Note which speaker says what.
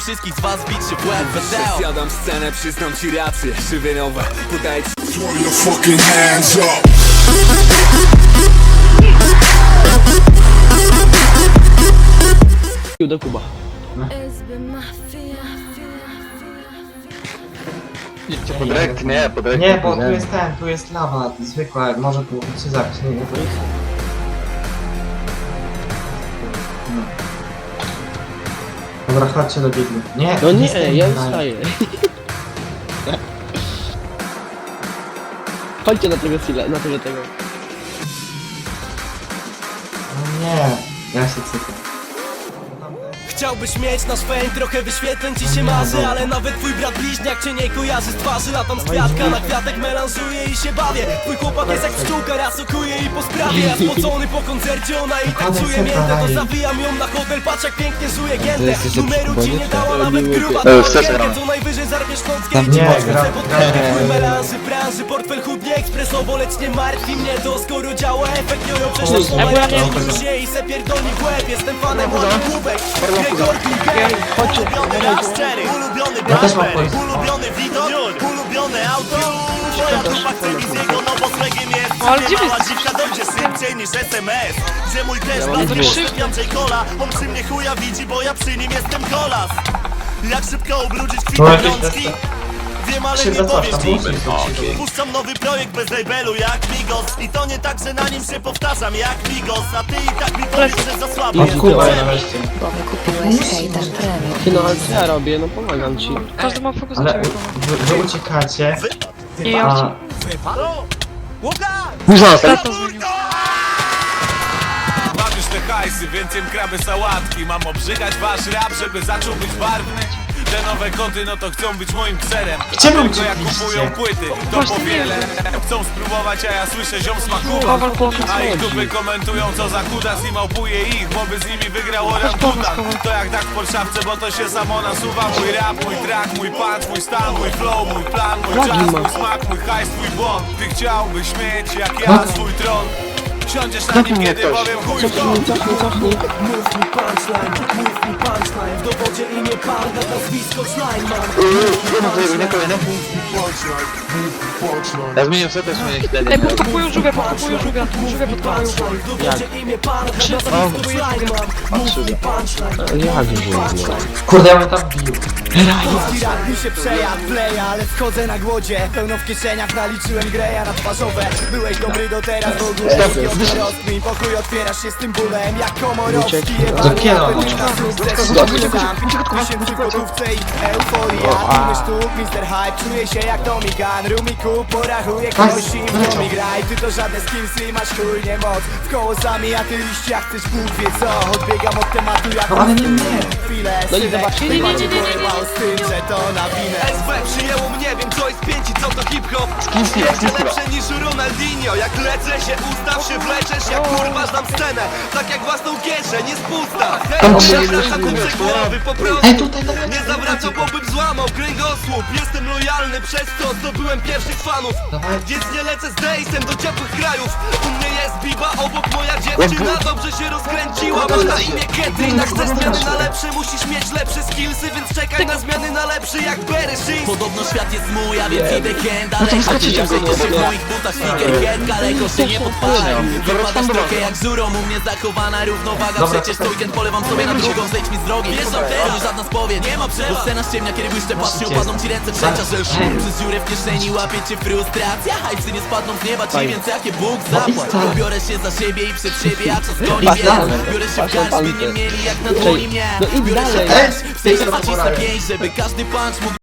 Speaker 1: wszystkich z was bić się w łeb wesoło.
Speaker 2: Zjadam scenę, przyznam ci rację. Żywieniowe, podaję ci.
Speaker 3: Throw your fucking hands up.
Speaker 4: Do Kuba.
Speaker 5: Podrek, nie, podrek.
Speaker 6: Nie, bo tu jest lawa, zwykła, może tu się zabić, nie, nie, to jest... No. Dobra, chodźcie do biegli. Nie,
Speaker 4: No nie,
Speaker 6: jestem
Speaker 4: ja
Speaker 6: tutaj.
Speaker 4: wstaję. Chodźcie na tego chwilę, na tego.
Speaker 6: No nie, ja się cykam.
Speaker 1: Chciałbyś mieć nasz fame, trochę wyświetleń ci się marzy. Ale nawet twój brat bliźniak cię nie kojarzy z twarzy. Latam z kwiatka na kwiatek, melanżuję i się bawię. Twój chłopak jest jak pszczółka, raz okuje i po sprawie. Ja spocony po koncercie, ona i tańcuje miętę. To zawijam ją na hotel, patrz jak pięknie żuje giętę. Numeru ci nie dała nawet gruba to co najwyżej zarwiesz nockę i ci poświęcę podrękę. Twój melanży, branży, portfel chudnie ekspresowo. Lecz nie martwi mnie to, skoro działa efekt jojo. Przecież to moja nie i se pierdolni w łeb. Jestem fanem łapówek.
Speaker 6: Ja też mam pojść.
Speaker 1: Ulubiony widok, ulubione auto. Moja grupa chce mi z jego, no bo swegiem jest. Gdzie mała dziwka dojdzie szybciej niż SMS. Gdzie mój też blazł, J. Cola. On przy mnie chuja widzi, bo ja przy nim jestem kolas. Jak szybko ubrudzić kwitę rączki? Wiem, ale nie powiesz dziś. Puszczam nowy projekt bez labelu jak Migos. I to nie tak, że na nim się powtarzam jak Migos. A ty i tak mi powiesz, że za słabo jest.
Speaker 6: Kurwa, na weźcie.
Speaker 7: Kupiłeś hejter premium.
Speaker 4: Ty no, ale co ja robię? No pomagam ci.
Speaker 8: Każdy ma fokus na
Speaker 6: Ale
Speaker 8: ciebie.
Speaker 6: wy uciekacie.
Speaker 8: Nie, ja
Speaker 6: A,
Speaker 9: Bawisz te hajsy, więc jem kraby sałatki. Mam obrzygać wasz rap, żeby zaczął być barwny. Te nowe koty, no to chcą być moim kserem. A
Speaker 6: Czemu
Speaker 9: tylko jak
Speaker 6: uciekliście?
Speaker 9: kupują płyty, to
Speaker 8: Właśnie
Speaker 9: powiele. Chcą spróbować, a ja słyszę ziom smakuwa. A ich dupy komentują, co za kudas i małpuje ich, bo by z nimi wygrał orangutan. To jak tak w Polszawce, bo to się samo nasuwa. Mój rap, mój track, mój punch, mój stan, mój flow, mój plan, mój czas, mój smak, mój hajs, twój błąd. Ty chciałbyś mieć jak ja swój tron. Siądziesz na nim, kiedy powiem chuj w to.
Speaker 4: Cofnij.
Speaker 1: Mów mi punchline, w dowodzie imię Parda, nazwisko Schneidman.
Speaker 5: Ja zmienię sobie też moje śledzenie.
Speaker 8: Ej, podkopują żółwia, podkopują żółwia. Żółwia podkopują żółwia.
Speaker 1: W dowodzie imię Parda, nazwisko Schneidman. Mów mi punchline.
Speaker 4: Jak to
Speaker 6: kurde, ja bym tam bił.
Speaker 1: Polski rap mi się przejadł, wleja, ale wchodzę na głodzie. Pełno w kieszeniach naliczyłem greja na twarzowe. Byłeś dobry do teraz, w ogóle rozkmin. Pokój otwierasz się z tym bólem jak Komorowski.
Speaker 6: Zapierdol.
Speaker 1: Tysięcy w gotówce i euforia. Tłumy sztuk, Mr. Hype, czuję się jak Tommy Gun. Rumiku, porachuję kogoś i w mi graj. Ty to żadne skillsy, masz chuj nie moc. W koło sami, a ty liścia chcesz Bóg wie co. Odbiegam od tematu jak
Speaker 6: No ale nie.
Speaker 1: chwilę.
Speaker 4: No i zobaczcie.
Speaker 1: Nie. Z tym, że to na winę. SV przyjęło mnie, wiem co jest pięć i co to hip-hop. Jeszcze lepsze niż Ronaldinho. Jak lecę się, ustaw się, wleczesz, jak kurwa znam scenę. Tak jak własną kieszeń, jest pusta. Zawracam kurczę głowy, po prostu. Nie zawracał, bo bym złamał kręgosłup. Jestem lojalny przez to, zdobyłem pierwszych fanów. Więc nie lecę z Dejsem do ciepłych krajów. U mnie jest biba, obok moja dziewczyna dobrze się rozkręciła. Ma na imię Ketrin, jak chcesz zmiany na lepsze, musisz mieć lepsze skillsy. Więc czekaj na zmiany na lepszy jak Berry Shins. Podobno świat jest mój, a więc idę hand. Ale chodziłem w moich butach, sneakerhead, kaleko się nie podpalaj. Wypadasz trochę jak żurą, u mnie zachowana równowaga. Przecież to weekend polewam sobie na drugą, zejdź mi z drogi. Wjeżdżam teraz, żadna spowiedź, nie ma przerwy. Bo scena ściemnia, kiedy błyszcze patrzy, upadną ci ręce trzecia, że przez dziurę w kieszeni łapie cię frustracja. Hajsy nie spadną z nieba ci, więc jakie Bóg zapłać. Biorę się za siebie i przed siebie, a czas goni mnie. Biorę się w garść, by nie mieli jak na dłoni mnie. Biorę się w garść, w sensie zacisnę pięść, żeby każdy punch mógł